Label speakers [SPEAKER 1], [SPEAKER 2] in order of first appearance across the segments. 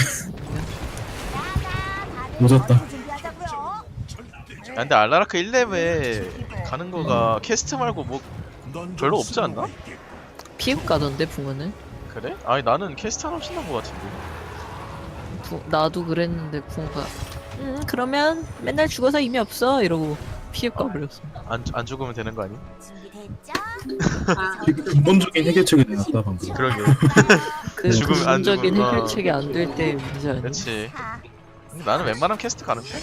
[SPEAKER 1] 늦었다.
[SPEAKER 2] 야, 근데 알라라크 1렙에 가는 거가 캐스트 말고 뭐 별로 없지 않나?
[SPEAKER 3] 피읍 가던데 붕어는?
[SPEAKER 2] 그래? 아니 나는 캐스트 하나 신난 거 같은데.
[SPEAKER 3] 나도 그랬는데 붕어가 그러면 맨날 죽어서 의미 없어 이러고 피읍 가버렸어.
[SPEAKER 2] 안 죽으면 되는 거 아니?
[SPEAKER 1] 근본적인 해결책이 내놨다 방금.
[SPEAKER 2] 그러게.
[SPEAKER 3] 그
[SPEAKER 2] 죽으면 안
[SPEAKER 3] 근본적인
[SPEAKER 2] 죽으면,
[SPEAKER 3] 해결책이 안 될 때 문제 아니야?
[SPEAKER 2] 그렇지. 나는 웬만하면 캐스트 가는 편.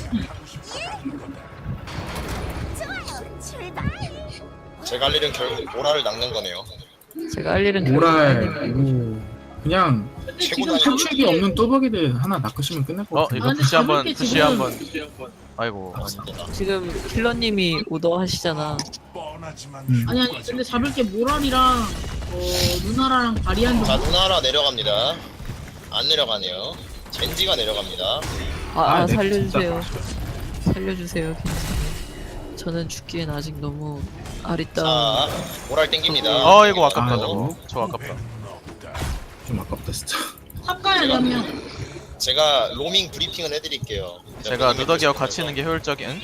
[SPEAKER 4] 제가 할 일은 결국 모라를 낚는 거네요.
[SPEAKER 3] 제가 할 일은
[SPEAKER 1] 모랄 그냥
[SPEAKER 4] 최고
[SPEAKER 1] 탈출기 없는 뚜벅이들 하나 낚으시면 끝날 것 같아.
[SPEAKER 2] 이거
[SPEAKER 5] 근데
[SPEAKER 2] 부시 한번
[SPEAKER 5] 가볍게
[SPEAKER 2] 부시
[SPEAKER 5] 지금-
[SPEAKER 2] 한번. 아이고. 아니.
[SPEAKER 3] 지금 킬러님이 오더 하시잖아.
[SPEAKER 5] 아니 근데 잡을 게 모랄이랑 누나랑 바리안
[SPEAKER 4] 자
[SPEAKER 5] 정도?
[SPEAKER 4] 누나라 내려갑니다. 안 내려가네요. 젠지가 내려갑니다.
[SPEAKER 1] 네,
[SPEAKER 3] 살려주세요. 살려주세요. 괜찮아요. 저는 죽기엔 아직 너무 아리따운.
[SPEAKER 4] 자 모랄 땡깁니다.
[SPEAKER 2] 이거 아깝다
[SPEAKER 1] 아,
[SPEAKER 2] 저거. 저거 아깝다.
[SPEAKER 1] 좀 아깝다 진짜.
[SPEAKER 5] 탑 가야 돼 한 명.
[SPEAKER 4] 제가 로밍 브리핑은 해드릴게요.
[SPEAKER 2] 제가 누더기하고 같이 있는 게 효율적인.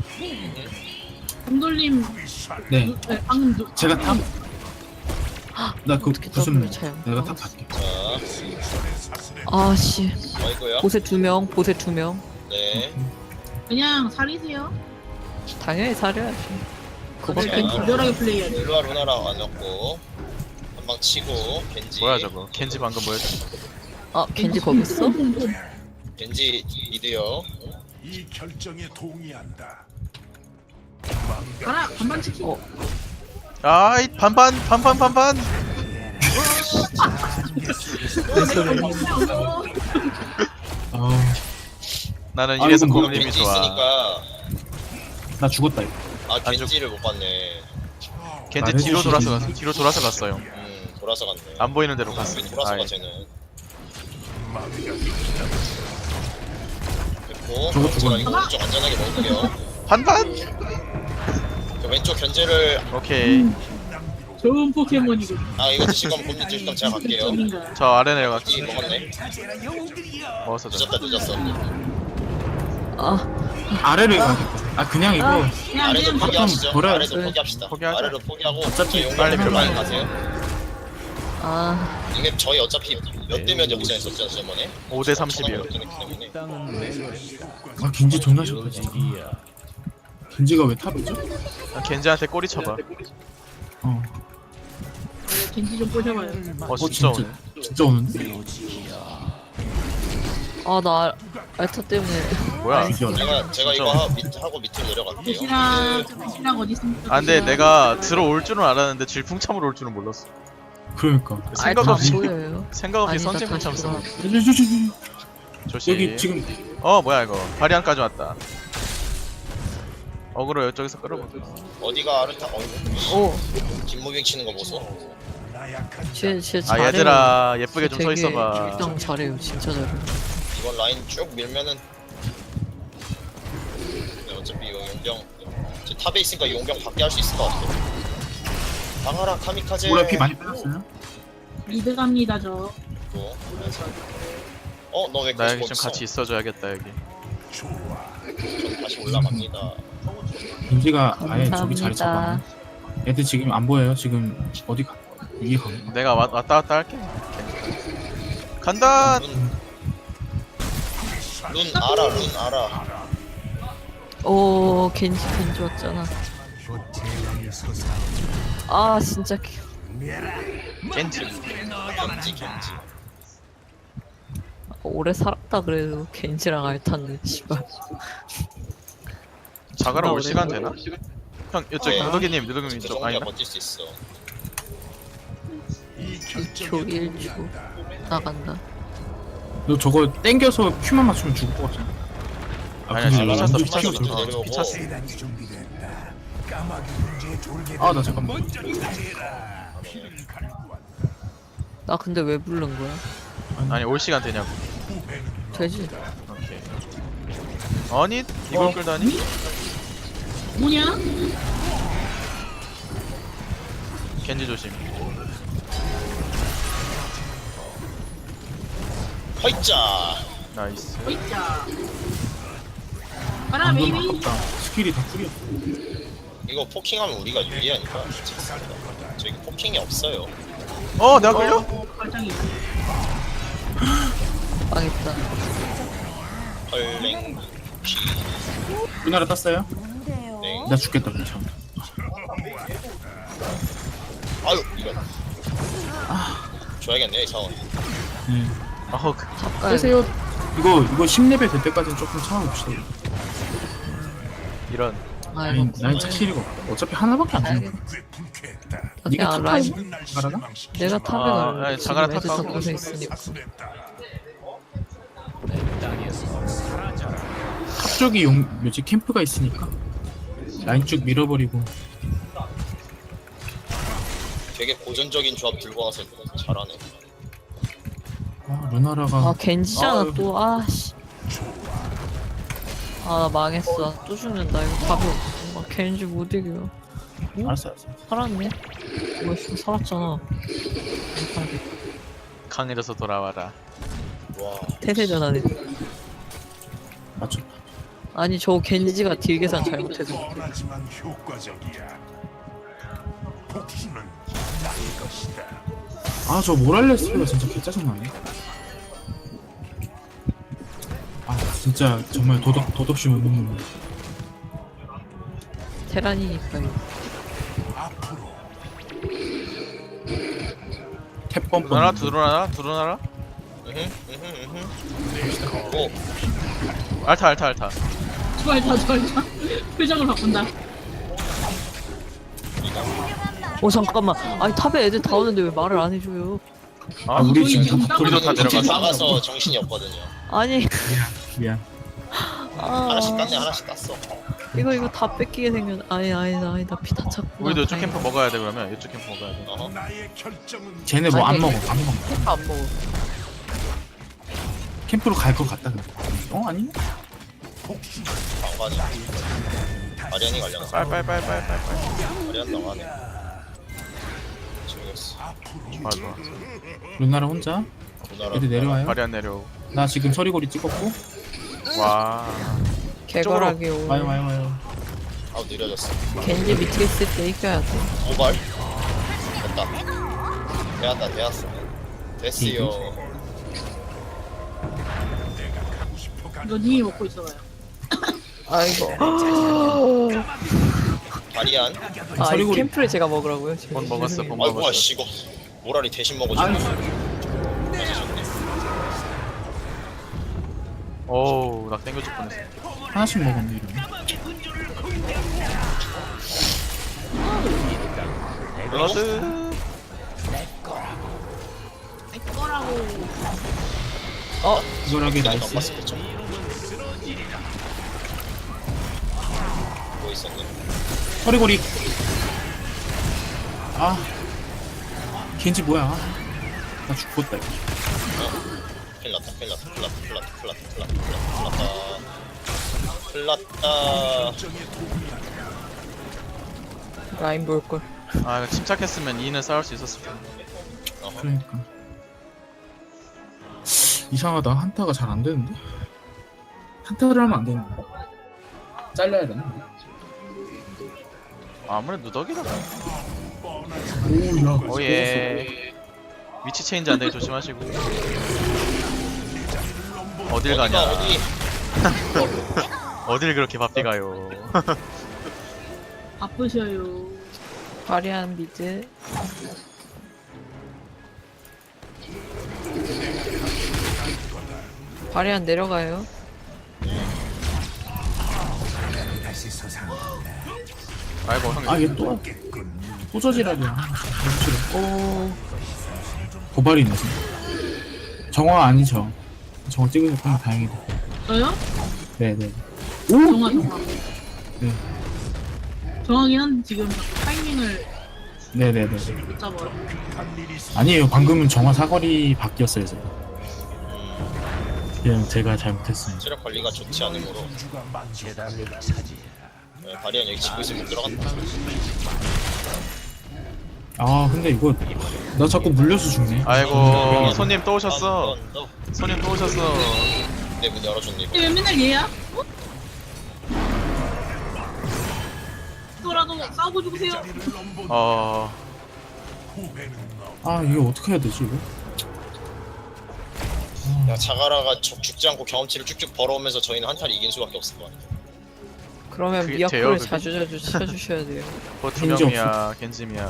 [SPEAKER 5] 공돌님
[SPEAKER 1] 네,
[SPEAKER 5] 방금
[SPEAKER 1] 제가 탑. 나 그
[SPEAKER 3] 어떻게
[SPEAKER 1] 무슨
[SPEAKER 3] 더블을 차요?
[SPEAKER 1] 내가 탑 갈게.
[SPEAKER 4] 자
[SPEAKER 3] 아씨.
[SPEAKER 4] 어이구요.
[SPEAKER 3] 보세 2명. 보세 2명.
[SPEAKER 4] 네.
[SPEAKER 5] 그냥 살리세요.
[SPEAKER 3] 당연히 살려야지. 그밖에
[SPEAKER 4] 자,
[SPEAKER 5] 가별하게 플레이해야 돼.
[SPEAKER 4] 일로와 루나랑 안 넣고 한 방 치고 겐지.
[SPEAKER 2] 뭐야 저거. 켄지 방금 뭐였지?
[SPEAKER 3] 겐지 거기 있어?
[SPEAKER 4] 겐지 미드요.
[SPEAKER 6] 이 결정에 동의한다.
[SPEAKER 5] 가라 반반 치킨.
[SPEAKER 2] 아이 반반.
[SPEAKER 1] 아,
[SPEAKER 2] 나는
[SPEAKER 1] 아,
[SPEAKER 2] 이래서
[SPEAKER 1] 이건 뭐야,
[SPEAKER 2] 고님이
[SPEAKER 4] 겐지
[SPEAKER 2] 좋아.
[SPEAKER 4] 있으니까
[SPEAKER 1] 나 죽었다 이거.
[SPEAKER 4] 겐지를 못 봤네.
[SPEAKER 2] 겐지
[SPEAKER 1] 말해주시지.
[SPEAKER 2] 뒤로 돌아서 갔어요.
[SPEAKER 4] 돌아서 갔네.
[SPEAKER 2] 안 보이는 대로 갔어.
[SPEAKER 4] 돌아서
[SPEAKER 2] 아이.
[SPEAKER 4] 가 쟤는. 됐고
[SPEAKER 1] 저거
[SPEAKER 4] 제가
[SPEAKER 1] 죽었네.
[SPEAKER 4] 이거 오른쪽 안전하게 먹을게요.
[SPEAKER 2] 반반.
[SPEAKER 4] 저 왼쪽 견제를
[SPEAKER 2] 오케이.
[SPEAKER 5] 좋은 포켓몬이고.
[SPEAKER 4] 이거 드실 거면 곰님 드실 거면 제가 갈게요.
[SPEAKER 5] 점인가.
[SPEAKER 2] 저 아래
[SPEAKER 4] 이
[SPEAKER 2] 내려갈게.
[SPEAKER 4] 먹었네.
[SPEAKER 2] 먹었어 저.
[SPEAKER 4] 늦었어.
[SPEAKER 1] 아래를 가겠다. 그냥 이거
[SPEAKER 5] 그냥
[SPEAKER 4] 아래도
[SPEAKER 5] 그냥
[SPEAKER 4] 포기하시죠.
[SPEAKER 1] 버려요.
[SPEAKER 4] 아래도 포기합시다.
[SPEAKER 2] 포기하자.
[SPEAKER 4] 아래로 포기하고
[SPEAKER 1] 어차피
[SPEAKER 4] 용감
[SPEAKER 2] 빨리
[SPEAKER 4] 빨리
[SPEAKER 2] 들어가요.
[SPEAKER 4] 가세요. 이게 저희 어차피 몇 대 몇이 없잖아요, 저번에.
[SPEAKER 2] 5대 30이에요.
[SPEAKER 1] 겐지 존나 좋다 진짜. 겐지가 왜 탑이죠?
[SPEAKER 2] 겐지한테 꼬리 쳐봐.
[SPEAKER 5] 겐지 좀 꼬셔봐요.
[SPEAKER 2] 진짜 오네.
[SPEAKER 1] 진짜 오는데?
[SPEAKER 3] 나 알타 때문에.
[SPEAKER 2] 뭐야?
[SPEAKER 1] 비교하네.
[SPEAKER 4] 제가 이거 하고 밑으로 내려갈게요.
[SPEAKER 5] 대시랑 어디 있습니까?
[SPEAKER 2] 근데 내가 들어올 줄은 알았는데 질풍참으로 올 줄은 몰랐어.
[SPEAKER 1] 그러니까.
[SPEAKER 2] 생각
[SPEAKER 3] 알타
[SPEAKER 2] 없이
[SPEAKER 3] 안 보여요.
[SPEAKER 2] 생각 없이
[SPEAKER 3] 아니다,
[SPEAKER 2] 선질풍참
[SPEAKER 3] 다시
[SPEAKER 2] 써.
[SPEAKER 3] 돌아.
[SPEAKER 2] 조심.
[SPEAKER 1] 여기 지금
[SPEAKER 2] 뭐야 이거. 바리안까지 왔다. 어그로 이쪽에서 끌어볼게.
[SPEAKER 4] 어디가 아르타?
[SPEAKER 3] 오,
[SPEAKER 4] 김무빙 치는 거 보소.
[SPEAKER 3] 쟤 잘해요.
[SPEAKER 2] 얘들아 예쁘게 좀 서
[SPEAKER 3] 되게
[SPEAKER 2] 있어봐.
[SPEAKER 3] 일당 잘해요. 진짜 잘해요.
[SPEAKER 4] 이번 라인 쭉 밀면은 어차피 이거 용병 제 탑에 있으니까 용병 밖에 할 수 있을 것 같아. 방하라 카미카제.
[SPEAKER 1] 모랄 피 많이 빼놨어요?
[SPEAKER 5] 미드 갑니다 저.
[SPEAKER 4] 너 왜
[SPEAKER 2] 나
[SPEAKER 4] 계속
[SPEAKER 2] 여기 좀
[SPEAKER 4] 있어?
[SPEAKER 2] 같이 있어줘야겠다 여기.
[SPEAKER 4] 전 다시 올라갑니다.
[SPEAKER 1] 겐지가 아예 저기 자리
[SPEAKER 3] 감사합니다.
[SPEAKER 1] 잡았네. 애들 지금 안 보여요. 지금 어디 가? 위에 가.
[SPEAKER 2] 내가 왔다 갔다 할게. 간다.
[SPEAKER 4] 룬 알아.
[SPEAKER 3] 오, 겐지 왔잖아. 진짜
[SPEAKER 2] 겐지.
[SPEAKER 4] 겐지.
[SPEAKER 3] 오래 살았다 그래도 겐지랑 알타는 씨발.
[SPEAKER 2] 자가라 올
[SPEAKER 3] 오래
[SPEAKER 2] 시간
[SPEAKER 3] 걸려.
[SPEAKER 2] 되나? 형 이쪽
[SPEAKER 4] 네.
[SPEAKER 2] 누더기님
[SPEAKER 4] 저
[SPEAKER 2] 이쪽
[SPEAKER 4] 정도야
[SPEAKER 2] 아니다.
[SPEAKER 4] 버틸 수 있어.
[SPEAKER 3] 2초 1초 나간다.
[SPEAKER 1] 너 저거 땡겨서 큐만 맞추면 죽을 것 같아.
[SPEAKER 2] 아니야,
[SPEAKER 1] 근데
[SPEAKER 2] 지금 미쳤어,
[SPEAKER 1] 완전
[SPEAKER 2] 미쳤어,
[SPEAKER 1] 큐가 좋다.
[SPEAKER 4] 내려오고.
[SPEAKER 2] 미쳤어.
[SPEAKER 1] 나 잠깐만.
[SPEAKER 3] 나 근데 왜 부른 거야?
[SPEAKER 2] 아니 올 시간 되냐고.
[SPEAKER 3] 되지.
[SPEAKER 2] 오케이. 아니 이걸 끌다니?
[SPEAKER 5] 뭐냐?
[SPEAKER 2] 겐지 조심.
[SPEAKER 4] 허이짜.
[SPEAKER 2] 나이스.
[SPEAKER 5] 호이자. 가라
[SPEAKER 1] 방금
[SPEAKER 5] 베이비.
[SPEAKER 1] 아깝다. 스킬이 다 풀이야.
[SPEAKER 4] 이거 포킹하면 우리가 유리하니까. 저기 포킹이 없어요.
[SPEAKER 2] 내가 걸려?
[SPEAKER 5] 발장이.
[SPEAKER 3] 망했다.
[SPEAKER 4] 헐랭 피.
[SPEAKER 1] 우리나라 땄어요?
[SPEAKER 4] 네.
[SPEAKER 1] 나 죽겠다 괜찮아.
[SPEAKER 4] 아유 이거. 줘야겠네 이 상황.
[SPEAKER 1] 네.
[SPEAKER 3] 가까이.
[SPEAKER 1] 빼세요. 이거 10레벨 될 때까지는 조금 참아봅시다.
[SPEAKER 2] 이런.
[SPEAKER 3] 아 이거
[SPEAKER 1] 난 차실이가 없다. 어차피 하나밖에 안 주는 거야.
[SPEAKER 6] 불쾌했다.
[SPEAKER 1] 네가
[SPEAKER 3] 아,
[SPEAKER 1] 탑
[SPEAKER 3] 라인.
[SPEAKER 1] 타입 가라나?
[SPEAKER 3] 내가 탑에
[SPEAKER 2] 아,
[SPEAKER 3] 갈래.
[SPEAKER 2] 아니,
[SPEAKER 3] 지금
[SPEAKER 2] 자가라
[SPEAKER 3] 애들
[SPEAKER 2] 탑
[SPEAKER 3] 다
[SPEAKER 2] 가고
[SPEAKER 3] 곳에 있으니까.
[SPEAKER 1] 탑 쪽이 뭐지 캠프가 있으니까 라인 쭉 밀어버리고.
[SPEAKER 4] 되게 고전적인 조합 들고 와서 잘하네.
[SPEAKER 1] 아 루나라가
[SPEAKER 3] 아 겐지잖아
[SPEAKER 1] 아유.
[SPEAKER 3] 또. 아씨. 아 나 망했어. 또 죽는다. 이거 답이 없어. 아, 겐지 못 이겨.
[SPEAKER 1] 알았어.
[SPEAKER 3] 살았네. 멋있어 살았잖아.
[SPEAKER 2] 강해져서 돌아와라.
[SPEAKER 4] 와.
[SPEAKER 3] 태세 전환해.
[SPEAKER 1] 맞췄다.
[SPEAKER 3] 아니 저 겐지가 딜 계산 잘못해서.
[SPEAKER 6] 뻔하지만 효과적이야. 복수는 나의 것이다.
[SPEAKER 1] 아 저 모랄레스가 진짜 개짜증나네. 아 진짜 정말 도덕심 없는 놈.
[SPEAKER 3] 테란이니까 이거.
[SPEAKER 6] 앞으로
[SPEAKER 1] 탭
[SPEAKER 2] 들어나라
[SPEAKER 1] 뻔뻔.
[SPEAKER 2] 들어나라.
[SPEAKER 4] 오.
[SPEAKER 2] 알타.
[SPEAKER 5] 좋아했다. 표정을 바꾼다.
[SPEAKER 3] 잠깐만. 아니 탑에 애들 다 오는데 왜 말을 안 해줘요?
[SPEAKER 1] 아 우리
[SPEAKER 5] 저희
[SPEAKER 1] 지금
[SPEAKER 5] 지금
[SPEAKER 1] 다
[SPEAKER 2] 우리도 다
[SPEAKER 4] 이제
[SPEAKER 2] 내려갔어.
[SPEAKER 4] 나가서 정신이 없거든요.
[SPEAKER 3] 아니
[SPEAKER 1] 미안.
[SPEAKER 4] 하나씩
[SPEAKER 3] 아
[SPEAKER 4] 땄네 하나씩 땄어.
[SPEAKER 3] 이거 다 뺏기게 생겼. 아니다 피 다 찼구나.
[SPEAKER 2] 우리도 이쪽
[SPEAKER 3] 다행이다.
[SPEAKER 2] 캠프 먹어야 돼 그러면. 이쪽 캠프 먹어야 돼.
[SPEAKER 4] 어허.
[SPEAKER 6] 나의 결정은
[SPEAKER 1] 쟤네 뭐 안
[SPEAKER 3] 아니,
[SPEAKER 1] 먹어. 안 먹어.
[SPEAKER 3] 캠프 안 먹어.
[SPEAKER 1] 캠프로 갈 것 같다 그래. 아니?
[SPEAKER 6] 복수는
[SPEAKER 4] 방관이. 아리안이 관련해서.
[SPEAKER 2] 빨빨.
[SPEAKER 4] 아리안 나가네. 모르겠어.
[SPEAKER 2] 맞아.
[SPEAKER 1] 루나라 혼자? 애들 내려와요?
[SPEAKER 2] 발이 안 내려.
[SPEAKER 1] 나 지금 서리고리 찍었고.
[SPEAKER 2] 와.
[SPEAKER 3] 개걸하게 오.
[SPEAKER 1] 와요.
[SPEAKER 4] 아우 느려졌어.
[SPEAKER 3] 겐지 밑에 있을 때 이겨야 돼.
[SPEAKER 4] 모발. 됐다. 되었어. 됐어요.
[SPEAKER 5] 이거 님이 먹고 있어봐요.
[SPEAKER 3] 아이고.
[SPEAKER 4] 바리안.
[SPEAKER 3] 아, 이
[SPEAKER 1] 서리고리.
[SPEAKER 3] 캠프를 제가 먹으라고요?
[SPEAKER 2] 본 먹었어, 본
[SPEAKER 4] 아이고
[SPEAKER 2] 먹었어.
[SPEAKER 4] 씨 이거 모라리 대신 먹어줘.
[SPEAKER 2] 오우, 나 땡겨줄 뻔했어.
[SPEAKER 1] 하나씩 먹었네 이러면.
[SPEAKER 2] 블러드.
[SPEAKER 5] 내 거라고.
[SPEAKER 1] 이거라게
[SPEAKER 4] 그냥
[SPEAKER 1] 나이스.
[SPEAKER 4] 넘었을 때좀 뭐 있었네.
[SPEAKER 1] 서리고리. 아. 겐지 뭐야? 나 죽었다 이거.
[SPEAKER 4] 큰일 났다.
[SPEAKER 3] 라인 볼걸.
[SPEAKER 2] 아, 이거 침착했으면 2는 싸울 수 있었을 텐데.
[SPEAKER 4] 어허.
[SPEAKER 1] 그러니까. 이상하다. 한타가 잘 안 되는데? 한타를 하면 안 되는데? 잘라야 되나?
[SPEAKER 2] 아무래도 누더기다.
[SPEAKER 1] 오야.
[SPEAKER 2] 오예. 위치 체인지 안 되게 조심하시고. 어딜 가냐?
[SPEAKER 4] 어디?
[SPEAKER 2] 어딜 그렇게 바삐 가요?
[SPEAKER 5] 바쁘셔요.
[SPEAKER 3] 바리안 미드. 바리안 내려가요.
[SPEAKER 2] 아이고 형.
[SPEAKER 1] 아, 얘 또. 또 저지랄이야. 오. 고발이 있네, 지금. 정화 아니죠? 정화 찍으셨구나. 다행이다.
[SPEAKER 5] 저요?
[SPEAKER 1] 네네.
[SPEAKER 5] 정화.
[SPEAKER 1] 네.
[SPEAKER 5] 정하긴 한데 지금 자꾸 타이밍을
[SPEAKER 1] 네네네.
[SPEAKER 5] 못 잡아요.
[SPEAKER 1] 아니에요. 방금은 정화 사거리 바뀌었어요, 제가. 그냥 제가 잘못했어요.
[SPEAKER 4] 체력 관리가 좋지 않으므로. 네, 바리안 여기 지고 있으면 못 들어간다.
[SPEAKER 1] 아, 근데 이거. 나 자꾸 물려서 죽네.
[SPEAKER 2] 아이고 손님 또 오셨어.
[SPEAKER 4] 너
[SPEAKER 2] 손님 또 오셨어.
[SPEAKER 4] 있는데 문 열어줬네 이거.
[SPEAKER 5] 왜 맨날 얘야? 어? 또라도 싸우고 죽으세요.
[SPEAKER 6] 자리를 넘보 후회는 없.
[SPEAKER 1] 아 이거 어떻게 해야 되지 이거?
[SPEAKER 4] 야 자가라가 죽지 않고 경험치를 쭉쭉 벌어오면서 저희는 한타를 이긴 수밖에 없을 거 아니야.
[SPEAKER 3] 그러면
[SPEAKER 2] 그게
[SPEAKER 3] 미야코를
[SPEAKER 2] 돼요, 그게?
[SPEAKER 3] 자주자주 쳐주셔야 돼요.
[SPEAKER 2] 버투명이야 겐지미야.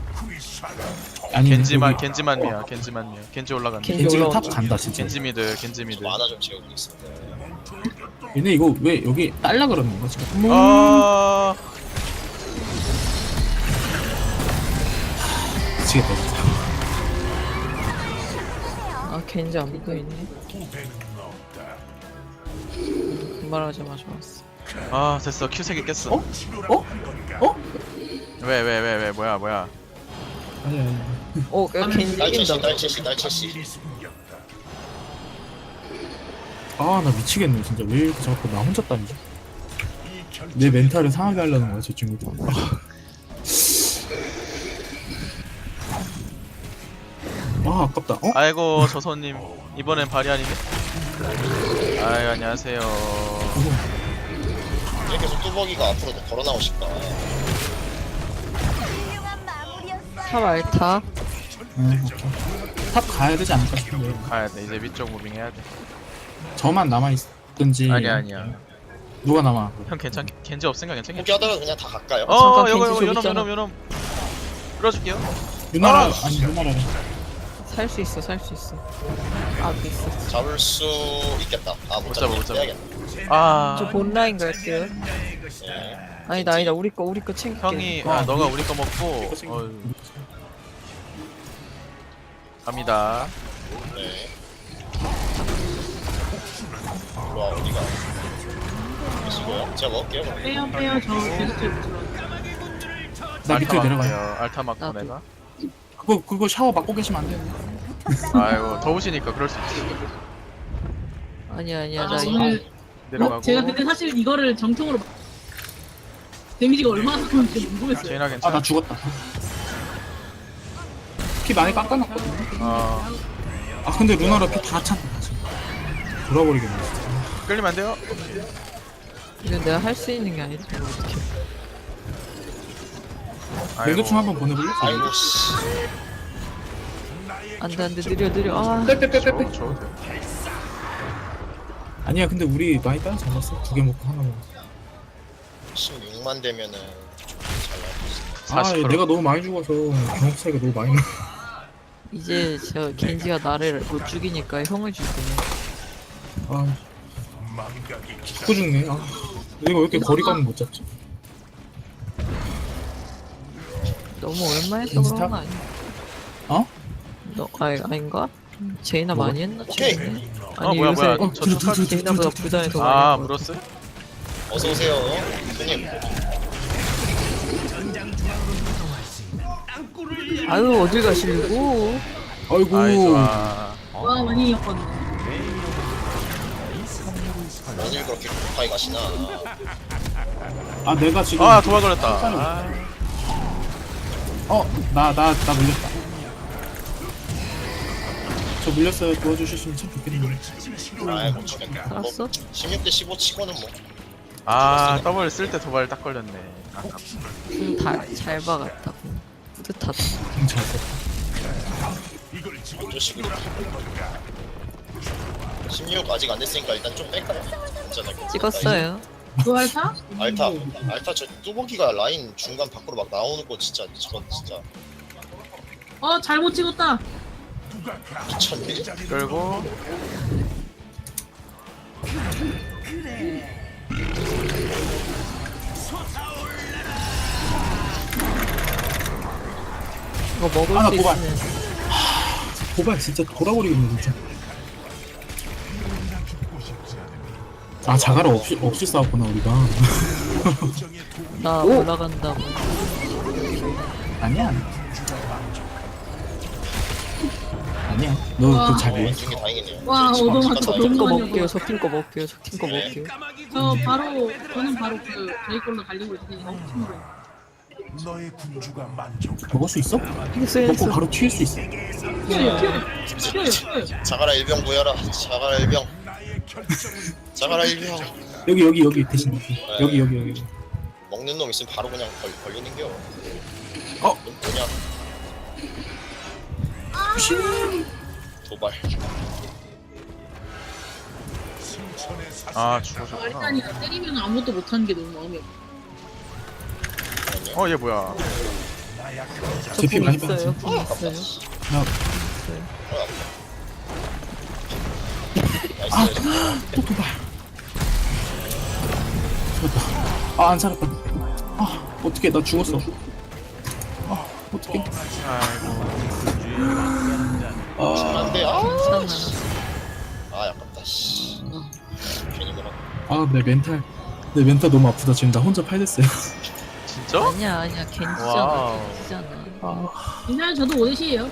[SPEAKER 1] 아니
[SPEAKER 2] 겐지만
[SPEAKER 1] 여기-
[SPEAKER 2] 겐지만미야. 겐지 올라간다.
[SPEAKER 3] 겐지
[SPEAKER 1] 겐지가 탑
[SPEAKER 3] 올라온다.
[SPEAKER 1] 간다 진짜.
[SPEAKER 2] 겐지미드
[SPEAKER 4] 저
[SPEAKER 2] 겐지미드.
[SPEAKER 4] 만화 좀 채우고 있어.
[SPEAKER 1] 얘네 이거 왜 여기 딸라 그러는 건가 지금?
[SPEAKER 2] 아
[SPEAKER 1] 미치겠다 진짜.
[SPEAKER 3] 아 겐지 안 보이네.
[SPEAKER 6] 후회는 없다.
[SPEAKER 3] 말하자마자 왔어.
[SPEAKER 2] 아 됐어 큐 3개 깼어.
[SPEAKER 1] 어? 어? 어?
[SPEAKER 2] 왜 뭐야
[SPEAKER 1] 아니야 아니야.
[SPEAKER 3] 어 겐지
[SPEAKER 4] 날채씨
[SPEAKER 3] 이긴다.
[SPEAKER 4] 날채씨.
[SPEAKER 6] 일이 숨겼다.
[SPEAKER 1] 아 나 미치겠네 진짜. 왜 이렇게 자꾸 나 혼자 다니지?
[SPEAKER 6] 이 결정
[SPEAKER 1] 내 멘탈을 상하게 하려는 거야 저 친구들. 아 아깝다. 어?
[SPEAKER 2] 아이고 저손님 이번엔 발이 아니네. 아유 안녕하세요.
[SPEAKER 4] 왜 계속 뚜벅이가 앞으로 걸어 나오실까?
[SPEAKER 3] 탑 알타.
[SPEAKER 1] 오케이. 탑 가야 되지 않을까 싶은데.
[SPEAKER 2] 가야돼 이제 위쪽 무빙 해야돼.
[SPEAKER 1] 저만 남아 있든지.
[SPEAKER 2] 아니야
[SPEAKER 1] 누가 남아?
[SPEAKER 2] 형 겐지 없으니까 괜찮겠지?
[SPEAKER 4] 포기하다가 그냥 다 갈까요?
[SPEAKER 3] 잠깐
[SPEAKER 2] 요거
[SPEAKER 3] 겐지 좀
[SPEAKER 2] 요놈
[SPEAKER 3] 있잖아.
[SPEAKER 2] 요놈 끌어줄게요.
[SPEAKER 1] 누나라
[SPEAKER 2] 아!
[SPEAKER 1] 아니 누나라.
[SPEAKER 3] 살 수 있어. 아 있어.
[SPEAKER 4] 잡을 수 있겠다. 아 못
[SPEAKER 2] 못 잡아,
[SPEAKER 4] 잡아.
[SPEAKER 2] 못 잡아.
[SPEAKER 4] 빼야겠다.
[SPEAKER 2] 아
[SPEAKER 3] 저 본라인 갈게요.
[SPEAKER 4] 예.
[SPEAKER 3] 아니다 우리 거 챙길게.
[SPEAKER 2] 형이 아 너가 우리 거 먹고 갑니다.
[SPEAKER 4] 네. 일로 와 어디가? 계시고요. 제가 먹을게요. 그럼.
[SPEAKER 5] 빼요. 저 계속 들어.
[SPEAKER 1] 나 밑으로 내려가요.
[SPEAKER 2] 막게요. 알타 막고
[SPEAKER 3] 나도.
[SPEAKER 2] 내가.
[SPEAKER 1] 그거 샤워 맡고 계시면 안 돼요.
[SPEAKER 2] 아이고 더우시니까 그럴 수 있지.
[SPEAKER 3] 아니야
[SPEAKER 5] 아,
[SPEAKER 3] 나 이거
[SPEAKER 5] 오늘
[SPEAKER 2] 내려가고.
[SPEAKER 5] 제가 그때 사실 이거를 정통으로 데미지가 얼마나 나오는지 궁금했어요.
[SPEAKER 2] 제이나
[SPEAKER 1] 아
[SPEAKER 2] 괜찮아?
[SPEAKER 1] 나 죽었다. 피 많이 깎아놨거든.
[SPEAKER 2] 어
[SPEAKER 1] 아 근데 루나라 피 다 찬다 다시. 돌아버리겠네 진짜.
[SPEAKER 2] 끌리면 안 돼요?
[SPEAKER 3] 이건 내가 할 수 있는 게 아니다. 어떻게?
[SPEAKER 1] 맹도충 한번 보내볼래?
[SPEAKER 4] 아이고 씨.
[SPEAKER 3] 안돼 느려. 아
[SPEAKER 1] 빼빼빼빼빼.
[SPEAKER 2] 저
[SPEAKER 1] 아니야 근데 우리 많이 따라 잡았어. 2개 먹고 하나 먹어.
[SPEAKER 4] 16만 되면은 잘 나올 수 있어.
[SPEAKER 1] 아
[SPEAKER 2] 40%.
[SPEAKER 1] 내가 너무 많이 죽어서 경험 차이가 너무 많이 나.
[SPEAKER 3] 이제 저 겐지가 나를 못 죽이니까 형을 죽이네.
[SPEAKER 1] 아
[SPEAKER 6] 망각이
[SPEAKER 1] 죽고 죽네. 아 내가 왜 이렇게 거리감을 못 잡지?
[SPEAKER 3] 너무 오랜만에 해서
[SPEAKER 1] 인스타?
[SPEAKER 3] 그런 거 아니야?
[SPEAKER 1] 어?
[SPEAKER 3] 너 아닌가? 제이나
[SPEAKER 1] 뭐가?
[SPEAKER 3] 많이 했나
[SPEAKER 4] 오케이.
[SPEAKER 3] 최근에?
[SPEAKER 2] 어 뭐야
[SPEAKER 3] 요새
[SPEAKER 2] 뭐야 저
[SPEAKER 1] 들어,
[SPEAKER 2] 촉각
[SPEAKER 1] 들어,
[SPEAKER 3] 제이나보다 부산에 더 많이
[SPEAKER 2] 아
[SPEAKER 3] 했는 것
[SPEAKER 2] 물었어?
[SPEAKER 4] 어서 오세요. 손님.
[SPEAKER 3] 같아. 아유 어딜 가시려고?
[SPEAKER 1] 아이고.
[SPEAKER 2] 아이 좋아.
[SPEAKER 5] 와 많이 였거든요.
[SPEAKER 4] 어딜 그렇게 급하게 가시나?
[SPEAKER 1] 아 내가 지금
[SPEAKER 2] 아 도발 걸렸다. 아,
[SPEAKER 1] 나 물렸다. 저 물렸어요. 도와주셨으면 참 좋겠는데.
[SPEAKER 4] 아이고 죽겠다. 뭐
[SPEAKER 3] 살았어?
[SPEAKER 4] 16대 15 치고는 뭐.
[SPEAKER 2] 아 더블 쓸 때 도발 딱 걸렸네. 아깝다.
[SPEAKER 3] 잘 박았다. 뿌듯하다.
[SPEAKER 1] 경찰.
[SPEAKER 4] 어쩔 식으로. 16 아직 안 됐으니까 일단 좀 뺄까요? 괜찮아요.
[SPEAKER 3] 찍었어요.
[SPEAKER 5] 두알타?
[SPEAKER 4] 알타 저 뚜벅이가 라인 중간 밖으로 막 나오는 거 진짜 저건 진짜
[SPEAKER 5] 잘못 찍었다.
[SPEAKER 4] 미쳤네.
[SPEAKER 2] 끌고
[SPEAKER 3] 이거 먹을
[SPEAKER 1] 아,
[SPEAKER 3] 수
[SPEAKER 1] 도발.
[SPEAKER 3] 있으면
[SPEAKER 1] 고발 진짜 돌아버리겠네 진짜. 아 자가라 없이 싸웠구나 우리가.
[SPEAKER 3] 나 올라간다고.
[SPEAKER 1] 아니야. 아니야. 너
[SPEAKER 5] 와.
[SPEAKER 1] 그거 잘
[SPEAKER 4] 어,
[SPEAKER 1] 몰라.
[SPEAKER 4] 중에 다행이네요.
[SPEAKER 5] 와,
[SPEAKER 4] 지금
[SPEAKER 5] 얻어맞죠.
[SPEAKER 4] 잠깐
[SPEAKER 3] 적힌 거
[SPEAKER 5] 너무
[SPEAKER 3] 먹게요. 적힌 거 먹게요. 적힌 거
[SPEAKER 4] 네.
[SPEAKER 3] 먹게요.
[SPEAKER 5] 저는 바로 그 저희 걸로 달리고 있으니까 친구.
[SPEAKER 6] 너의 군주가 만족.
[SPEAKER 1] 먹을 수 있어?
[SPEAKER 3] 했어.
[SPEAKER 1] 먹고 바로 튀을 수 있어.
[SPEAKER 5] 튀어요.
[SPEAKER 4] 자가라 일병 보여라. 자가라 일병. 자가라 일병.
[SPEAKER 1] 여기 대신 여기.
[SPEAKER 4] 먹는 놈 있으면 바로 그냥 걸리는겨.
[SPEAKER 1] 어?
[SPEAKER 4] 뭐냐? 도발.
[SPEAKER 2] 아 죽어졌구나.
[SPEAKER 5] 일단이 때리면 아무것도 못하는 게 너무 마음이 아파.
[SPEAKER 2] 얘 뭐야?
[SPEAKER 1] 제피
[SPEAKER 3] 저궁
[SPEAKER 1] 많이
[SPEAKER 3] 있어요.
[SPEAKER 1] 빠졌어.
[SPEAKER 3] 궁 있어요.
[SPEAKER 1] 나
[SPEAKER 4] 나이스.
[SPEAKER 1] 또 도발. 죽었다. 아, 안 살았다. 아, 어떡해, 나 죽었어. 아, 어떡해.
[SPEAKER 2] 아이고.
[SPEAKER 1] 아,
[SPEAKER 4] 안돼.
[SPEAKER 3] 괜찮아.
[SPEAKER 4] 아깝다. 씨. 괜히 그런.
[SPEAKER 1] 아, 내 멘탈 너무 아프다. 지금 나 혼자 팔 됐어요.
[SPEAKER 2] 진짜?
[SPEAKER 3] 아니야 겐지잖아.
[SPEAKER 2] 와우.
[SPEAKER 3] 겐지잖아.
[SPEAKER 1] 아,
[SPEAKER 5] 이날 저도 5대시에요.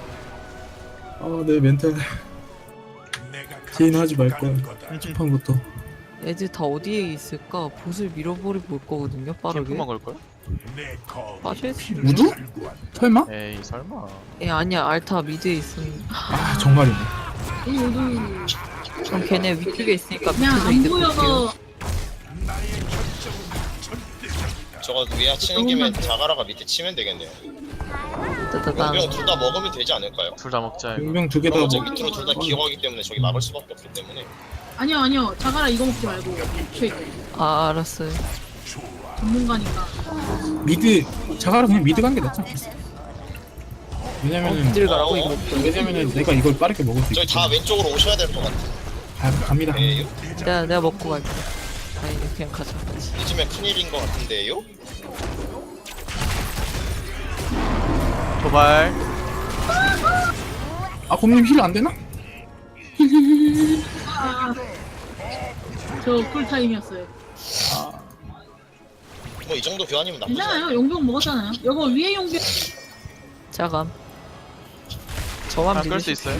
[SPEAKER 1] 내 멘탈.
[SPEAKER 6] 내가
[SPEAKER 1] 제인 하지 말 거야.
[SPEAKER 6] 거다.
[SPEAKER 1] 첫판부터.
[SPEAKER 3] 애들 다 어디에 있을까? 보슬 밀어버리고 올 거거든요. 빠르게.
[SPEAKER 2] 캠프 먹을 걸?
[SPEAKER 6] 내 검.
[SPEAKER 3] 빠져있어.
[SPEAKER 1] 우두? 설마?
[SPEAKER 2] 에이 설마.
[SPEAKER 3] 아니야 알타 미드에 있으면.
[SPEAKER 1] 아, 정말이네.
[SPEAKER 5] 모두
[SPEAKER 3] 그럼 걔네 위쪽에 있으니까
[SPEAKER 5] 그냥
[SPEAKER 3] 밑에서
[SPEAKER 5] 안
[SPEAKER 3] 이득 볼게요.
[SPEAKER 5] 보여서
[SPEAKER 4] 저거 위에 치는 김에 자가라가 밑에 치면 되겠네요.
[SPEAKER 3] 따다단.
[SPEAKER 4] 용병 둘 다 먹으면 되지 않을까요?
[SPEAKER 2] 둘 다 먹자 이거.
[SPEAKER 1] 용병 두 개 다
[SPEAKER 4] 그럼 어제
[SPEAKER 1] 먹.
[SPEAKER 4] 밑으로 둘 다 기어가기 때문에 저기 막을 수밖에 없기 때문에.
[SPEAKER 5] 아니요 자가라 이거 먹지 말고 저
[SPEAKER 3] 아 알았어요.
[SPEAKER 5] 전문가니까.
[SPEAKER 1] 미드, 자가라 그냥 미드 간 게 낫지 않겠어? 왜냐면은,
[SPEAKER 3] 미드를 가라고 이거.
[SPEAKER 1] 왜냐면은 내가 이걸 빠르게 먹을 수
[SPEAKER 4] 저희
[SPEAKER 1] 있기
[SPEAKER 4] 다
[SPEAKER 1] 때문에.
[SPEAKER 4] 왼쪽으로 오셔야 될 것 같아.
[SPEAKER 1] 갑니다.
[SPEAKER 4] 에요?
[SPEAKER 3] 내가 먹고 갈게. 아니 그냥 가자.
[SPEAKER 4] 요즘에 큰일인 것 같은데요?
[SPEAKER 2] 도발.
[SPEAKER 1] 아, 곰님 힐 안 되나?
[SPEAKER 5] 저 쿨타임이었어요.
[SPEAKER 4] 뭐 이 정도 교환이면 나쁘지 않아요.
[SPEAKER 5] 괜찮아요. 용병 먹었잖아요. 이거 위에 용병
[SPEAKER 3] 자감. 저만
[SPEAKER 2] 아, 끌
[SPEAKER 3] 믿을
[SPEAKER 2] 수 있어요?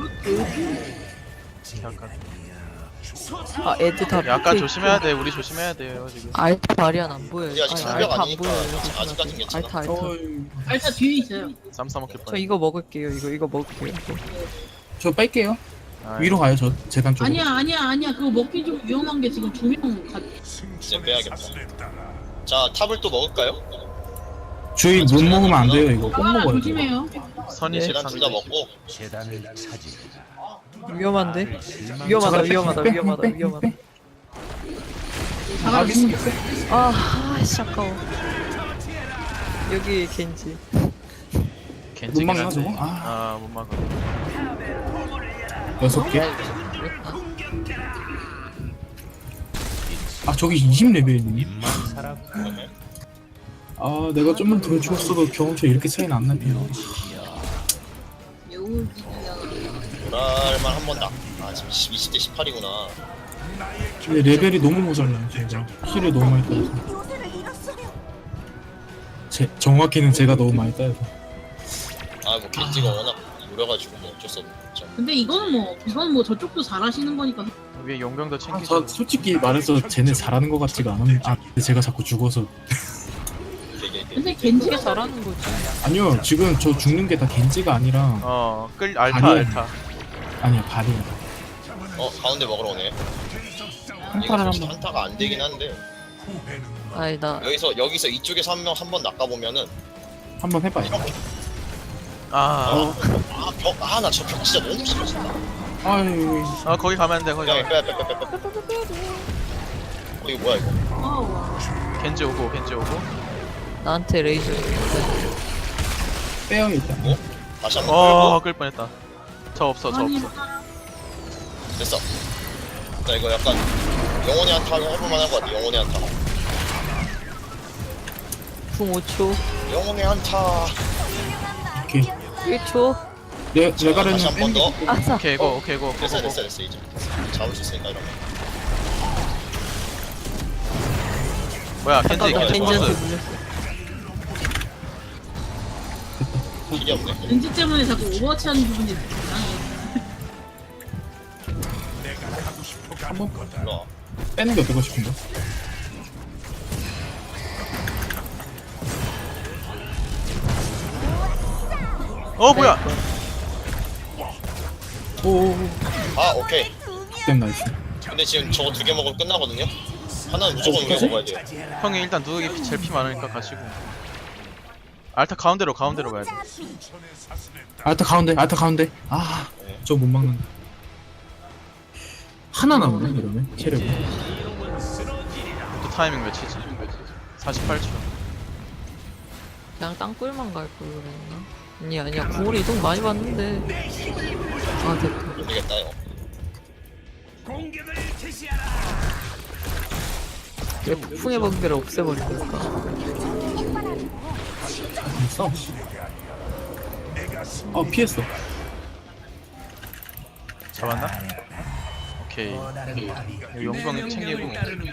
[SPEAKER 3] 아 애들 다
[SPEAKER 2] 약간
[SPEAKER 3] 밑에
[SPEAKER 2] 조심해야
[SPEAKER 3] 있고.
[SPEAKER 2] 돼. 우리 조심해야 돼요 지금.
[SPEAKER 3] 알타 발이안 안 보여요.
[SPEAKER 4] 우리 아직
[SPEAKER 3] 아니,
[SPEAKER 4] 장벽
[SPEAKER 3] 알타 안
[SPEAKER 4] 아니니까
[SPEAKER 3] 보여요.
[SPEAKER 4] 아직까진 괜찮아.
[SPEAKER 3] 알타.
[SPEAKER 5] 알타 뒤에 있어요.
[SPEAKER 2] 쌈 싸먹힐
[SPEAKER 3] 저
[SPEAKER 2] 뻔.
[SPEAKER 3] 이거 먹을게요. 이거 먹을게요. 이거.
[SPEAKER 1] 저 뺄게요.
[SPEAKER 2] 아이,
[SPEAKER 1] 위로 가요, 저 재단 쪽으로.
[SPEAKER 5] 아니야. 그거 먹기 좀 위험한 게 지금 2명 가.
[SPEAKER 4] 이제 빼야겠다. 자 탑을 또 먹을까요?
[SPEAKER 1] 주의 못 먹으면 안 돼요, 이거. 꼭
[SPEAKER 5] 아
[SPEAKER 1] 먹어요.
[SPEAKER 5] 조심해요.
[SPEAKER 2] 선이
[SPEAKER 4] 재단 둘 다
[SPEAKER 2] 상대.
[SPEAKER 4] 먹고.
[SPEAKER 3] 위험한데? 위험하다.
[SPEAKER 5] 자가라 죽는 게
[SPEAKER 3] 아씨 아까워. 여기 겐지.
[SPEAKER 2] 겐지긴
[SPEAKER 1] 못 막나,
[SPEAKER 2] 한데.
[SPEAKER 1] 저거?
[SPEAKER 2] 아못 막아.
[SPEAKER 1] 6개. 아, 저기 20레벨이니? 아, 내가 좀만 더 죽었어도 경험치 이렇게 차이는 안 나네요.
[SPEAKER 4] 모랄만 한 번 다. 아 지금 20대 18이구나.
[SPEAKER 1] 근데 레벨이 너무 모자라요, 진짜. 힐을 너무 많이 따서. 정확히는 제가 너무 많이 따요.
[SPEAKER 4] 아뭐 겐지가 워낙 무려가지고 뭐 어쩔 수 없죠.
[SPEAKER 5] 근데 이건 뭐 저쪽도 잘하시는 거니까.
[SPEAKER 2] 위에 용병도
[SPEAKER 1] 아,
[SPEAKER 2] 챙기죠.
[SPEAKER 1] 저 솔직히 말해서 쟤네 잘하는 것 같지가 않은데, 근데 제가 자꾸 죽어서.
[SPEAKER 4] 되게
[SPEAKER 5] 근데 겐지가
[SPEAKER 3] 되게 잘하는 거지.
[SPEAKER 1] 아니요, 지금 저 죽는 게 다 겐지가 아니라,
[SPEAKER 2] 끌 알타
[SPEAKER 1] 발이야.
[SPEAKER 2] 알타.
[SPEAKER 1] 아니야, 발이야.
[SPEAKER 4] 가운데 먹으러 오네. 이거
[SPEAKER 1] 한타를
[SPEAKER 4] 솔직히
[SPEAKER 1] 한번
[SPEAKER 4] 한타가 안 되긴 한데
[SPEAKER 3] 아니 나
[SPEAKER 4] 여기서 이쪽에서 한 명 한 번 낚아보면은
[SPEAKER 1] 한번 해봐요.
[SPEAKER 2] 아,
[SPEAKER 4] 나 저 벽 진짜 너무 싫어진다.
[SPEAKER 1] 아유,
[SPEAKER 2] 거기 가면 안 돼. 거기.
[SPEAKER 4] 야,
[SPEAKER 2] 가면.
[SPEAKER 4] 빼. 이거 뭐야 이거?
[SPEAKER 2] 겐지 오고.
[SPEAKER 3] 나한테 레이저.
[SPEAKER 1] 빼요, 일단.
[SPEAKER 4] 다시 한번 끌고
[SPEAKER 2] 끌 뻔했다. 저 없어.
[SPEAKER 4] 됐어. 나 이거 약간 영혼의 한타 해볼만한 것 같아. 영혼의 한타.
[SPEAKER 3] 궁 5초.
[SPEAKER 4] 영혼의 한타.
[SPEAKER 1] 오케이.
[SPEAKER 3] 1초.
[SPEAKER 1] 레가르는
[SPEAKER 4] 다시 한 번 더.
[SPEAKER 3] 아싸.
[SPEAKER 2] 오케이 고.
[SPEAKER 4] 됐어 이제 잡을 수 있으니까 이러면.
[SPEAKER 2] 뭐야 겐지
[SPEAKER 3] 겐지한테
[SPEAKER 2] 버스.
[SPEAKER 3] 물렸어.
[SPEAKER 4] 길이 없네.
[SPEAKER 5] 겐지 때문에 자꾸 오버워치 하는 부분이 이상해.
[SPEAKER 1] 한번
[SPEAKER 4] 일로 와.
[SPEAKER 1] 빼는 게 어떨까 싶은데.
[SPEAKER 2] 뭐야?
[SPEAKER 1] 오,
[SPEAKER 4] 아 오케이.
[SPEAKER 1] 땜 나이스.
[SPEAKER 4] 근데 지금 저거 2개 먹으면 끝나거든요. 하나는 무조건 우리가 먹어야 돼요.
[SPEAKER 2] 형이 일단 누더기 제일 피 많으니까 가시고. 알타 가운데로 가야 돼.
[SPEAKER 1] 알타 가운데. 아,
[SPEAKER 4] 네.
[SPEAKER 1] 저 못 막는다. 하나 남네 이러면 체력이.
[SPEAKER 2] 또 타이밍 몇이지? 48초.
[SPEAKER 3] 그냥 땅굴만 갈 걸 그랬나? 아니야 궁으로 이동 많이 봤는데. 아 됐다.
[SPEAKER 4] 모르겠다 이거.
[SPEAKER 3] 왜 폭풍의 번개를 없애버릴까?
[SPEAKER 1] 싸워. 피했어.
[SPEAKER 2] 잡았나? 오케이. 여기 용병 챙기고.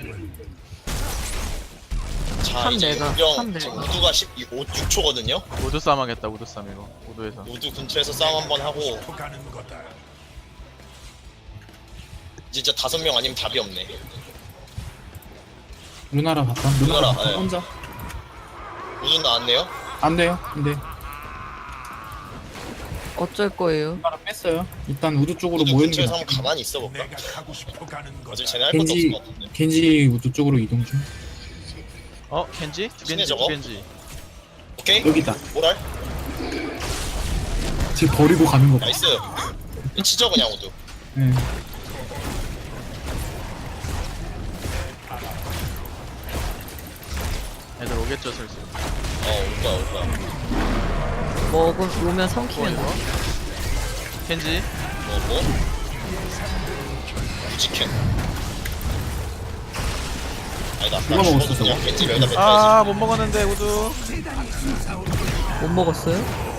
[SPEAKER 4] 자
[SPEAKER 3] 참
[SPEAKER 4] 이제
[SPEAKER 3] 내가,
[SPEAKER 4] 용병
[SPEAKER 3] 참
[SPEAKER 4] 지금
[SPEAKER 3] 내가.
[SPEAKER 4] 우두가 6초거든요.
[SPEAKER 2] 우드 싸움 하겠다. 우드 싸움 이거. 우드에서.
[SPEAKER 4] 우두 근처에서 싸움 한번 하고
[SPEAKER 6] 가는 거다.
[SPEAKER 4] 진짜 5명 아니면 답이 없네.
[SPEAKER 1] 루나라 봤다.
[SPEAKER 4] 루나라,
[SPEAKER 1] 봤다.
[SPEAKER 4] 예.
[SPEAKER 1] 혼자.
[SPEAKER 4] 우두 나왔네요.
[SPEAKER 1] 안 돼요. 근데
[SPEAKER 3] 어쩔 거예요?
[SPEAKER 1] 루나라 뺐어요. 일단 우드 쪽으로
[SPEAKER 4] 우두
[SPEAKER 1] 모이는 게
[SPEAKER 4] 근처에서
[SPEAKER 1] 낫
[SPEAKER 4] 한번 가만히 있어 볼까?
[SPEAKER 6] 내가 가고 싶어 가는 거다.
[SPEAKER 4] 어차피 쟤네 할 것도 없을
[SPEAKER 1] 겐지
[SPEAKER 4] 것 같은데.
[SPEAKER 1] 겐지 우드 쪽으로 이동 중.
[SPEAKER 2] 켄지? 두
[SPEAKER 4] 신의
[SPEAKER 2] 겐지,
[SPEAKER 4] 저거?
[SPEAKER 2] 두 겐지.
[SPEAKER 4] 오케이?
[SPEAKER 1] 여기다.
[SPEAKER 4] 모랄?
[SPEAKER 1] 지금 버리고 가는 거 봐.
[SPEAKER 4] 나이스. 치죠 그냥 우두.
[SPEAKER 1] 예.
[SPEAKER 2] 애들 오겠죠 슬슬.
[SPEAKER 4] 올 거야.
[SPEAKER 3] 오면 삼키면 돼.
[SPEAKER 2] 켄지.
[SPEAKER 4] 뭐? 우지캔. 아니다.
[SPEAKER 1] 누가 먹었어, 저거?
[SPEAKER 4] 그냥 겐지 여기다 뱉어야지.
[SPEAKER 2] 아 못 먹었는데 우드.
[SPEAKER 3] 못 먹었어요?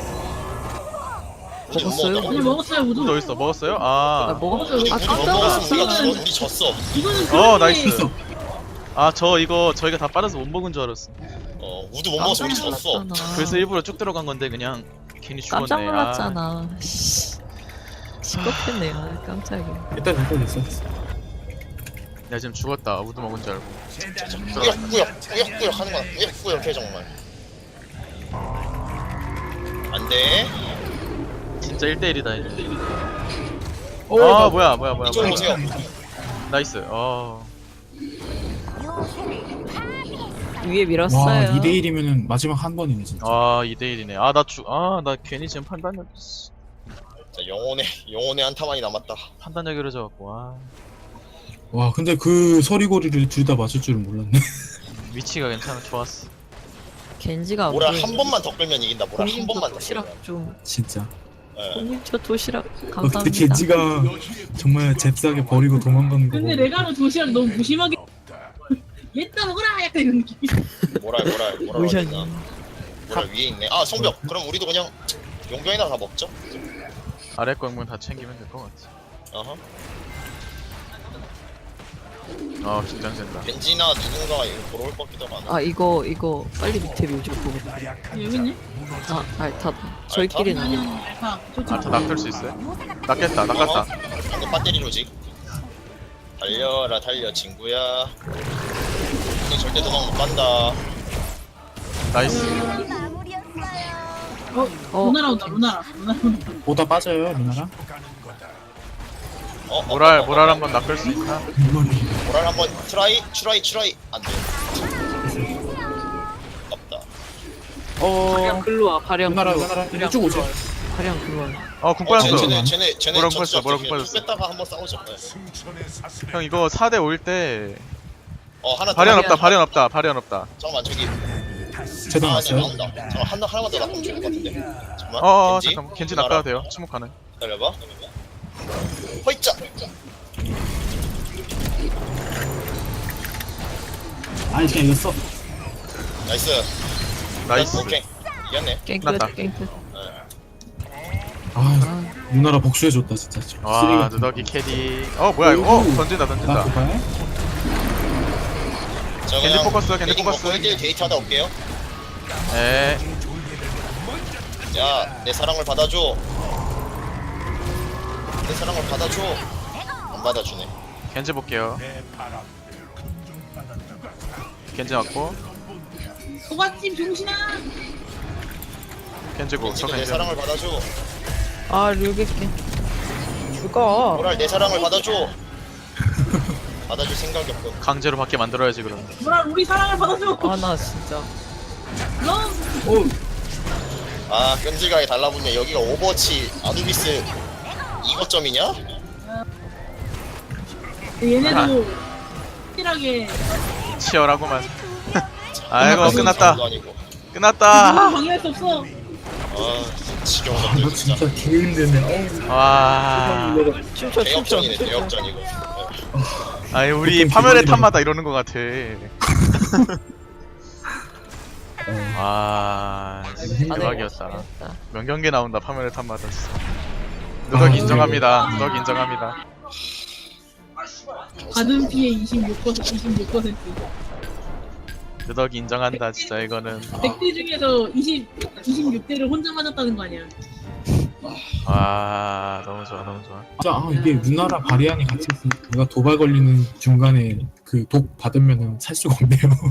[SPEAKER 4] 우리 못
[SPEAKER 3] 먹었어요?
[SPEAKER 4] 먹었다고?
[SPEAKER 5] 오늘 먹었어요 우두.
[SPEAKER 2] 우드 어딨어? 먹었어요?
[SPEAKER 3] 아
[SPEAKER 2] 아.
[SPEAKER 3] 먹었어요.
[SPEAKER 4] 우리
[SPEAKER 3] 아
[SPEAKER 4] 못
[SPEAKER 3] 깜짝
[SPEAKER 4] 먹었으면
[SPEAKER 3] 놀랐어.
[SPEAKER 4] 우리 졌어.
[SPEAKER 5] 이거는 그런
[SPEAKER 2] 나이스.
[SPEAKER 5] 게
[SPEAKER 1] 있어.
[SPEAKER 2] 아 저 이거 저희가 다 빠져서 못 먹은 줄 알았어.
[SPEAKER 4] 우두 못 먹어서 우리 졌어.
[SPEAKER 2] 그래서 일부러 쭉 들어간 건데 그냥 괜히 죽었네.
[SPEAKER 3] 깜짝 놀랐잖아. 시끄럽겠네요. 깜짝이야.
[SPEAKER 1] 일단 됐어.
[SPEAKER 2] 내가 지금 죽었다. 우드 먹은 줄 알고.
[SPEAKER 4] 꾸역꾸역 하는 거야. 꾸역꾸역 해 정말. 안 돼.
[SPEAKER 2] 진짜 1대1이다 1대1.
[SPEAKER 1] 오,
[SPEAKER 2] 아 뭐야.
[SPEAKER 4] 이쪽으로 오세요.
[SPEAKER 2] 나이스.
[SPEAKER 3] 위에
[SPEAKER 1] 와,
[SPEAKER 3] 밀었어요.
[SPEAKER 1] 2대 1이면은 마지막 한 번이네 진짜.
[SPEAKER 2] 2대1이네. 나 괜히 지금
[SPEAKER 4] 자, 영혼의 한타만이 남았다.
[SPEAKER 2] 판단력이 흐려져갖고.
[SPEAKER 1] 와, 근데 그 서리고리를 둘 다 맞을 줄은 몰랐네.
[SPEAKER 2] 위치가 괜찮아. 좋았어.
[SPEAKER 3] 겐지가
[SPEAKER 4] 모랄 한 번만 더 끌면 이긴다. 모랄 한 번만 더 끌면.
[SPEAKER 3] 도시락 좀.
[SPEAKER 1] 진짜.
[SPEAKER 4] 예.
[SPEAKER 3] 공님 저 도시락
[SPEAKER 1] 근데
[SPEAKER 3] 감사합니다.
[SPEAKER 1] 겐지가 정말 잽싸게 버리고 도망가는 거.
[SPEAKER 5] 근데
[SPEAKER 1] 보고.
[SPEAKER 5] 레가노 도시락 너무 무심하게 얘따 먹어라 약간 이런 느낌.
[SPEAKER 4] 모랄 어디
[SPEAKER 3] 무시하니.
[SPEAKER 4] 있나? 모랄 위에 있네. 아 성벽. 그럼 우리도 그냥 용병이나 다 먹죠.
[SPEAKER 2] 아래 거면 다 챙기면 될 것 같아.
[SPEAKER 4] 어허.
[SPEAKER 2] 긴장된다.
[SPEAKER 4] 벤지나 누군가가 이거 보러 올 것 같기도 하고.
[SPEAKER 3] 아 이거 빨리 밑에 묘지 보고.
[SPEAKER 5] 여기 있네.
[SPEAKER 3] 아 알타. 저희끼리는 아니야.
[SPEAKER 5] 알파.
[SPEAKER 2] 다 낚을 수 있어요? 낚겠다.
[SPEAKER 4] 방금 배터리로지. 달려라 달려 친구야. 너 절대 도망 못 간다.
[SPEAKER 2] 나이스.
[SPEAKER 5] 루나라 온다. 루나라 온다.
[SPEAKER 1] 보다 빠져요, 루나라.
[SPEAKER 2] 모랄 한번 낚을 수 있나?
[SPEAKER 4] 모랄 한번 트라이 안 돼. 없다.
[SPEAKER 3] 발량 글로 와. 발량
[SPEAKER 1] 루나라,
[SPEAKER 3] 글로 와.
[SPEAKER 1] 루나라. 이쪽 오세요.
[SPEAKER 3] 발량 글로 와.
[SPEAKER 2] 궁 빠졌어.
[SPEAKER 4] 쟤네
[SPEAKER 2] 뭐라고
[SPEAKER 4] 졌죠.
[SPEAKER 2] 빠졌어, 뭐라고 빠졌어.
[SPEAKER 4] 뺐다가 한번 싸우죠. 네.
[SPEAKER 6] 승천의 사슬에
[SPEAKER 2] 형 이거 4대 5일 때
[SPEAKER 4] 하나 더.
[SPEAKER 2] 발현 없다.
[SPEAKER 4] 잠깐만 저기.
[SPEAKER 1] 제도
[SPEAKER 4] 아니야
[SPEAKER 1] 났어요.
[SPEAKER 4] 나온다. 잠깐 하나만 더 낚으면 좋을 것 같은데. 잠깐만.
[SPEAKER 2] 잠깐만. 겐지 낚아도 돼요. 침묵 가능.
[SPEAKER 4] 기다려봐. 허이짜.
[SPEAKER 1] 아니 그냥 이겼어.
[SPEAKER 4] 나이스. 오케이. 이겼네.
[SPEAKER 2] 났다.
[SPEAKER 3] 깽끝.
[SPEAKER 1] 아, 루나라 복수해줬다 진짜.
[SPEAKER 2] 와 누더기 캐디. 뭐야 이거? 던진다.
[SPEAKER 1] 나 그거야?
[SPEAKER 4] 저
[SPEAKER 2] 겐지
[SPEAKER 4] 그냥
[SPEAKER 2] 포커스, 겐지
[SPEAKER 4] 레깅
[SPEAKER 2] 포커스.
[SPEAKER 4] 먹고 1대1 데이트 하다 올게요.
[SPEAKER 2] 에.
[SPEAKER 4] 야, 내 사랑을 받아줘. 내 사랑을 받아줘. 안 받아주네.
[SPEAKER 2] 겐지 볼게요. 겐지 맞고.
[SPEAKER 5] 소갓집 정신아.
[SPEAKER 2] 겐지고. 저
[SPEAKER 4] 내
[SPEAKER 2] 겐지.
[SPEAKER 4] 사랑을 받아줘.
[SPEAKER 3] 아 류겠게. 죽어.
[SPEAKER 4] 모랄 내 사랑을 받아줘. 받아줄 생각이 없고.
[SPEAKER 2] 강제로 받게 만들어야지 그럼.
[SPEAKER 5] 뭐라 우리 사랑을 받아줘.
[SPEAKER 3] 아 나 진짜
[SPEAKER 5] 너
[SPEAKER 4] 아 끈질하게 달라붙네. 여기가 오버워치 아누비스 2거점이냐?
[SPEAKER 5] 얘네도 확실하게
[SPEAKER 2] 치열하구만. 아이고 끝났다.
[SPEAKER 4] 아니고.
[SPEAKER 2] 끝났다.
[SPEAKER 5] 방해할 수 없어.
[SPEAKER 4] 아 지겨운
[SPEAKER 1] 아,
[SPEAKER 4] 것들
[SPEAKER 1] 나
[SPEAKER 4] 진짜.
[SPEAKER 1] 진짜 개 힘드네.
[SPEAKER 2] 와.
[SPEAKER 3] 춤춰
[SPEAKER 4] 대역전이네 대역전 이거.
[SPEAKER 2] 아니 우리
[SPEAKER 1] 보통
[SPEAKER 2] 파멸의
[SPEAKER 1] 기본이라고.
[SPEAKER 2] 탐마다 이러는 것 같아. 와 대박이었다. 명경기 나온다 파멸의 탐마다 진짜. 누덕 인정합니다. 누덕 인정합니다.
[SPEAKER 5] 받은 피해 26%.
[SPEAKER 2] 누덕 인정한다 진짜 이거는.
[SPEAKER 5] 100대 중에서 26대를 혼자 맞았다는 거 아니야.
[SPEAKER 2] 와 너무 좋아 너무 좋아.
[SPEAKER 1] 진짜 아, 이게 누나랑 바리안이 같이 있으면 내가 도발 걸리는 중간에 그 독 받으면은 살 수가 없네요.